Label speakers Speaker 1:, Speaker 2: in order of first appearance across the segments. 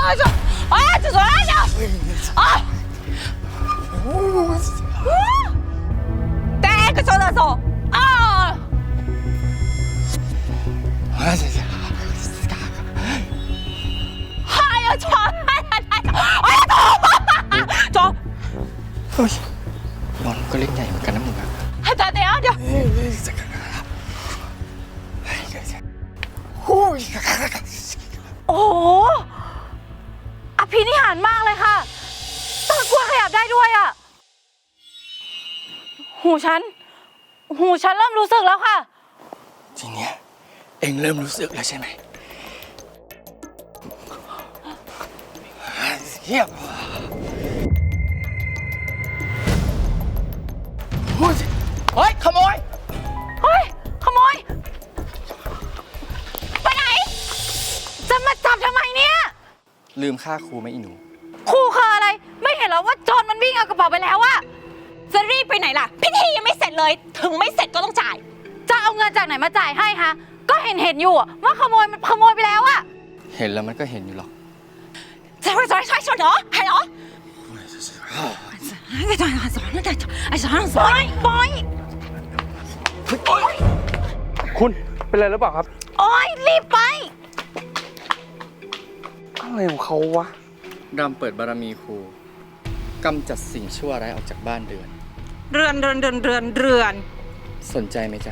Speaker 1: 这左来着！啊！第一个上厕所啊！哎呀，床！哎呀，床！
Speaker 2: เฮ้ยบอลก็เล่นใหญ่เหมือนกันนะมึงอะ
Speaker 1: 等等啊，这。โอ้โหอภินิหารมากเลยค่ะต้นกล้วยขยับได้ด้วยอ่ะหูฉันเริ่มรู้สึกแล้วค่ะ
Speaker 2: ทีเนี้ยเอ็งเริ่มรู้สึกแล้วใช่ไหมเฮียเฮ้ยขโมย
Speaker 1: เฮ้ย ขโมย ไปไหน จะมาจับทำไมเนี่ย
Speaker 2: ลืมค่าครูไหมอีหนู
Speaker 1: ครูคืออะไร ไม่เห็นเหรอว่าโจรมันวิ่งเอากระเป๋าไปแล้วอะจะรีบไปไหนล่ะ พิธียังไม่เสร็จเลย ถึงไม่เสร็จก็ต้องจ่าย จะเอาเงินจากไหนมาจ่ายให้คะ ก็เห็นอยู่ว่าขโมยมันขโมยไปแล้วอะ
Speaker 2: เห็นแล้วมันก็เห็นอยู่หรอก
Speaker 1: จะไปใช่เหรอ还有ปล่อย
Speaker 3: คุณเป็นอะไรหรือเปล่าครับ
Speaker 1: โอ๊ยรีบไป
Speaker 3: อะไรของเขาวะ
Speaker 2: รำเปิดบารมีครูกำจัดสิ่งชั่วร้ายออกจากบ้านเรือน
Speaker 1: เรือน
Speaker 2: สนใจไหมจ๊ะ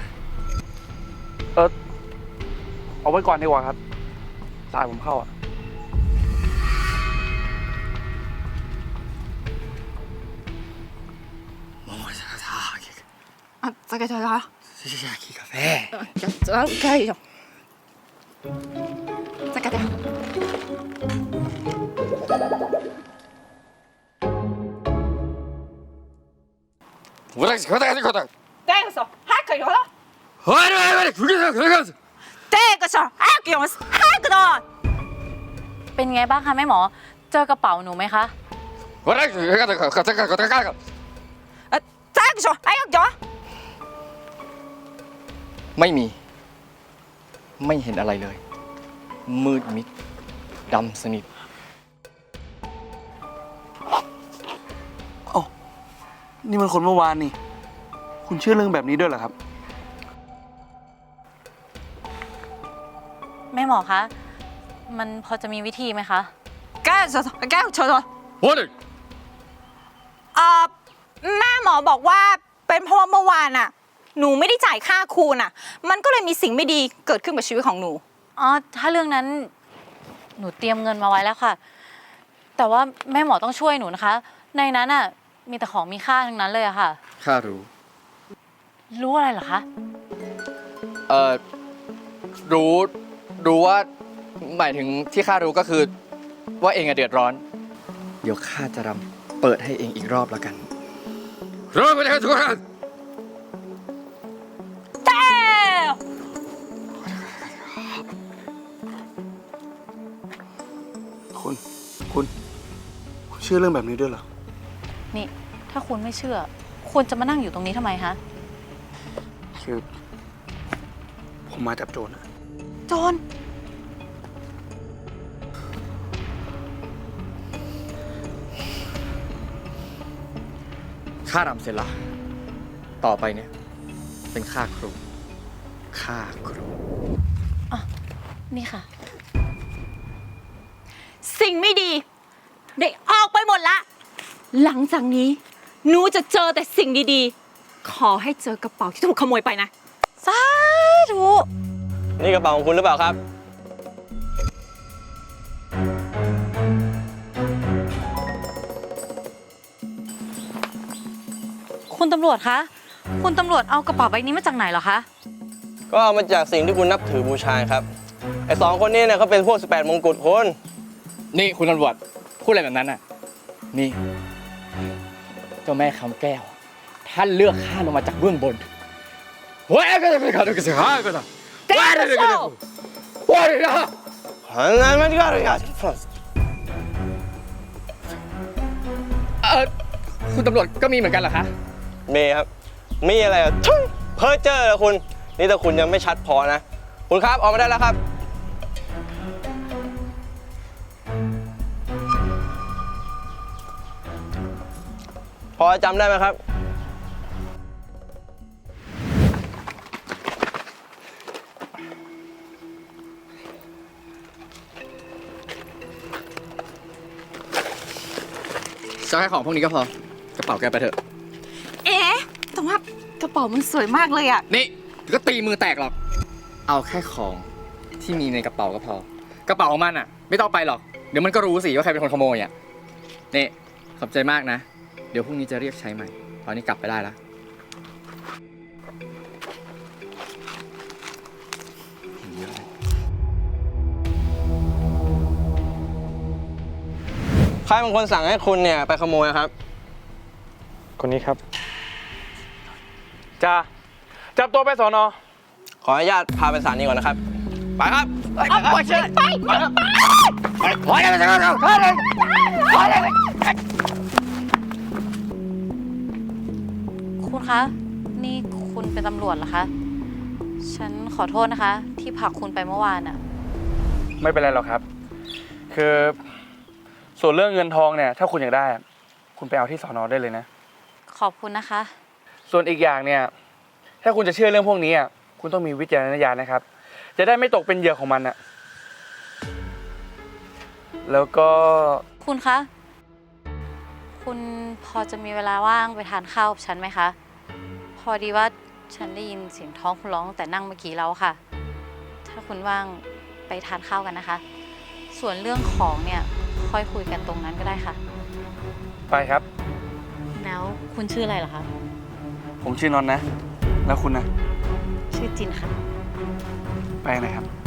Speaker 3: เอาไว้ก่อนดีกว่าครับสายผมเข้าอ่ะ
Speaker 1: 啊，这个就好。
Speaker 2: อยากกินกาแฟ
Speaker 1: 这可以用。这个的。
Speaker 2: 我来，快点，
Speaker 1: 第一个手还可以用了，
Speaker 2: 快点，
Speaker 1: 第二个手还可以用，还可以。เป็นไงบ้างคะแม่หมอ เจอกระเป๋าหนูไหมคะ这个手还要用。
Speaker 2: ไม่มี ไม่เห็นอะไรเลย มืดมิดดำสนิท
Speaker 3: เอ้านี่มันคนเมื่อวานนี่ คุณเชื่อเรื่องแบบนี้ด้วยเหรอครับ
Speaker 1: แม่หมอคะ มันพอจะมีวิธีไหมคะแก้เฉยแม่หมอบอกว่าเป็นเพราะว่าเมื่อวานน่ะ หนูไม่ได้จ่ายค่าครูน่ะ มันก็เลยมีสิ่งไม่ดีเกิดขึ้นกับชีวิตของหนู อ๋อ ถ้าเรื่องนั้นหนูเตรียมเงินมาไว้แล้วค่ะ แต่ว่าแม่หมอต้องช่วยหนูนะคะ ในนั้นน่ะมีแต่ของมีค่าทั้งนั้นเลยอะค่ะ
Speaker 2: ข้ารู้
Speaker 1: รู้อะไรเหรอคะ
Speaker 2: รู้ว่าหมายถึงที่ข้ารู้ก็คือว่าเองอะเดือดร้อน เดี๋ยวข้าจะรำเปิดให้เองอีกรอบแล้วกันรอไปเลยทุกคน
Speaker 3: คุณเชื่อเรื่องแบบนี้ด้วยเหรอ
Speaker 1: นี่ ถ้าคุณไม่เชื่อ คุณจะมานั่งอยู่ตรงนี้ทำไมคะ
Speaker 3: คือผมมาจับโจรนะ
Speaker 1: โจร
Speaker 2: ข้ารำเสร็จละต่อไปเนี่ยเป็นข้าครู
Speaker 1: นี่ค่ะ สิ่งไม่ดีได้ออกไปหมดละ หลังจากนี้หนูจะเจอแต่สิ่งดีๆ ขอให้เจอกระเป๋าที่ถูกขโมยไปนะ สาธุ
Speaker 4: นี่กระเป๋าของคุณหรือเปล่าครับ
Speaker 1: คุณตำรวจคะ คุณตำรวจเอากระเป๋าใบนี้มาจากไหนเหรอคะ
Speaker 4: ก็เอามาจากสิ่งที่คุณนับถือบูชาครับ ไอ้สองคนนี้เนี่ยเขาเป็นพวก18มงกุฎคุณ
Speaker 2: นี่คุณตำรวจพูดอะไรแบบนั้นน่ะนี่เจ้าแม่คำแก้วท่านเลือกข้าลงมาจากเบื้องบนว้ายก็จะไปขัดกันสิฮะก็ได้ว้ายเลยก็ได้ว้ายนะคุณตำรวจก็มีเหมือนกันเหรอคะ
Speaker 4: มีครับ มีอะไรอ่ะทุยเพ้อเจ้อเลยคุณ นี่ถ้าคุณยังไม่ชัดพอนะ คุณครับออกมาได้แล้วครับพอจำได้ไหมครับ
Speaker 2: จะให้ของพวกนี้ก็พอกระเป๋าแกไปเถอะ
Speaker 1: เอ๊ะแต่ว่ากระเป๋ามันสวยมากเลยอะ
Speaker 2: นี่เดี๋ยวก็ตีมือแตกหรอก เอาแค่ของที่มีในกระเป๋าก็พอ กระเป๋าของมันอ่ะ ไม่ต้องไปหรอก เดี๋ยวมันก็รู้สิว่าใครเป็นคนขโมยอ่ะ นี่ขอบใจมากนะ เดี๋ยวพรุ่งนี้จะเรียกใช้ใหม่ ตอนนี้กลับไปได้แล้ว
Speaker 4: ใครเป็นคนสั่งให้คุณเนี่ยไปขโมยครับ
Speaker 3: คนนี้ครับจ้าจับตัวไปสอนอ
Speaker 4: ขออนุญาตพาไปศาลนี้ก่อนนะครับ ไปครับ
Speaker 2: เอาไปเชิญไปขอเลยขอเลยขอเลย
Speaker 1: คุณคะ นี่คุณเป็นตำรวจเหรอคะ ฉันขอโทษนะคะ ที่ผลักคุณไปเมื่อวานอะ
Speaker 3: ไม่เป็นไรหรอกครับ คือส่วนเรื่องเงินทองเนี่ย ถ้าคุณอยากได้อะคุณไปเอาที่สอนอได้เลยนะ
Speaker 1: ขอบคุณนะคะ
Speaker 3: ส่วนอีกอย่างเนี่ย ถ้าคุณจะเชื่อเรื่องพวกนี้อ่ะคุณต้องมีวิจารณญาณนะครับ จะได้ไม่ตกเป็นเหยื่อของมันอ่ะ แล้วก็
Speaker 1: คุณคะ คุณพอจะมีเวลาว่างไปทานข้าวกับฉันไหมคะ พอดีว่าฉันได้ยินเสียงท้องคุณร้องตั้งแต่นั่งเมื่อกี้แล้วค่ะ ถ้าคุณว่างไปทานข้าวกันนะคะ ส่วนเรื่องของเนี่ยค่อยคุยกันตรงนั้นก็ได้ค่ะ
Speaker 3: ไปครับ
Speaker 1: แล้วคุณชื่ออะไรเหรอคะ
Speaker 3: ผมชื่อนนท์นะ แล้วคุณนะ
Speaker 1: ชื่อจินค่ะ
Speaker 3: ไปนะครับ